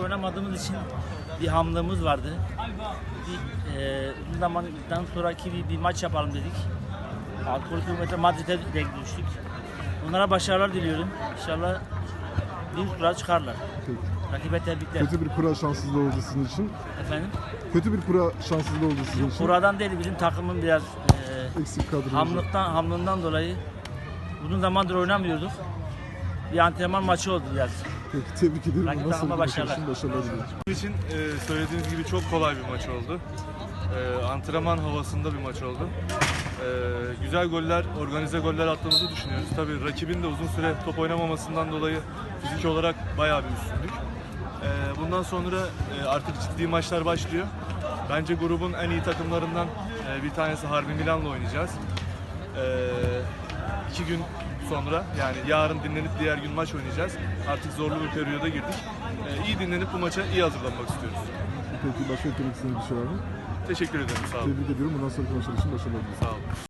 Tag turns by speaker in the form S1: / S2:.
S1: oynamadığımız için bir hamlığımız vardı. Uzun zamandan sonraki bir maç yapalım dedik. Atletico Madrid'e denk düştük. Onlara başarılar diliyorum. İnşallah bir kura çıkarlar.
S2: Peki.
S1: Rakibe tebrikler.
S2: Kötü bir kura şanssızlığı oldu sizin için.
S1: Efendim?
S2: Kötü bir kura şanssızlığı oldu sizin için.
S1: Kuradan değil, bizim takımın biraz
S2: Eksik kadro.
S1: hamlığından dolayı uzun zamandır oynamıyorduk. Bir antrenman maçı oldu biraz.
S2: Peki, tebrik ederim.
S1: Rakip
S2: Nasıl
S1: takıma
S2: bir maç
S1: başarılar.
S2: için başarılar diliyorum.
S3: Bizim için söylediğiniz gibi çok kolay bir maç oldu. Antrenman havasında bir maç oldu. Güzel goller, organize goller attığımızı düşünüyoruz. Tabii rakibin de uzun süre top oynamamasından dolayı fizik olarak bayağı bir üstündük. Bundan sonra artık ciddi maçlar başlıyor. Bence grubun en iyi takımlarından bir tanesi Harbi Milan'la oynayacağız. 2 gün sonra, yani yarın dinlenip diğer gün maç oynayacağız. Artık zorlu bir periyoda girdik. İyi dinlenip bu maça iyi hazırlanmak istiyoruz.
S2: Peki, başka eklemek istediğiniz bir şey var mı?
S3: Teşekkür ederim, sağ olun.
S2: Tebrik ediyorum. Bundan sonraki maçlar için başarılar diliyorum.
S3: Sağ olun.